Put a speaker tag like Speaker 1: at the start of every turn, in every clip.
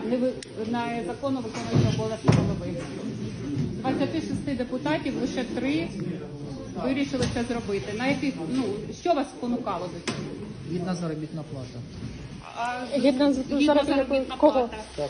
Speaker 1: незаконно виконуючого обов'язки голови. З 26 депутатів лише 3 вирішили це зробити. На яких, що вас спонукало до цього?
Speaker 2: Гідна заробітна плата.
Speaker 1: Гідна заробітна
Speaker 2: Кого?
Speaker 1: плата.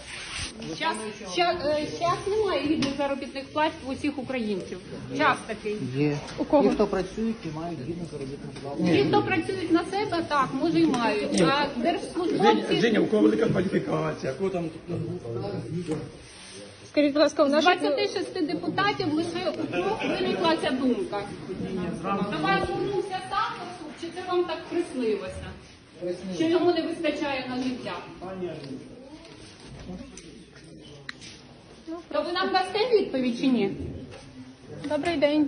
Speaker 1: Час немає гідних заробітних плат у усіх українців. Час такий.
Speaker 2: Є.
Speaker 1: У кого?
Speaker 2: Ті, хто працюють, і мають гідну заробітну плату.
Speaker 1: Ті, хто працюють на себе, так, може і мають. А держслужбовці...
Speaker 3: Женя, у кого велика кваліфікація, кого там...
Speaker 4: Скажіть, будь ласка, у
Speaker 1: З
Speaker 4: наших
Speaker 1: 26 депутатів лише у 3 виникла ця думка. До вас звернувся сам суд, чи це вам так приснилося? Що йому не вистачає на життя? То ви нам дасте відповідь чи ні?
Speaker 4: добрий день.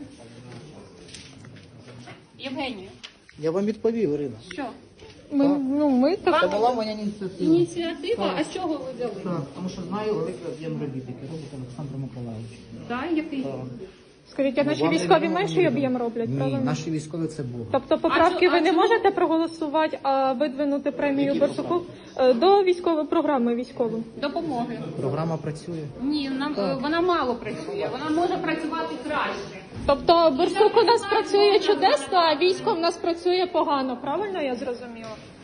Speaker 1: Євгенія,
Speaker 2: Я вам відповів, Ірина.
Speaker 1: що?
Speaker 4: Ми так.
Speaker 2: Це була моя ініціатива.
Speaker 1: Ініціатива? А з чого ви взяли?
Speaker 2: Так, тому що знаю великий об'єм робіт, який робить Олександр Миколаївич.
Speaker 1: Так, який?
Speaker 4: Скажіть, а наші військові менший об'єм роблять,
Speaker 2: Ні,
Speaker 4: правильно?
Speaker 2: наші військові це Бог.
Speaker 4: Тобто поправки ви не
Speaker 1: чому?
Speaker 4: можете проголосувати, а видвинути премію Барсуку до військової програми військової?
Speaker 1: Допомоги.
Speaker 2: Програма працює.
Speaker 1: Ні, вона мало працює, вона може працювати краще.
Speaker 4: Тобто Барсук у нас працює чудесно, а військо в нас працює погано, правильно я зрозуміла?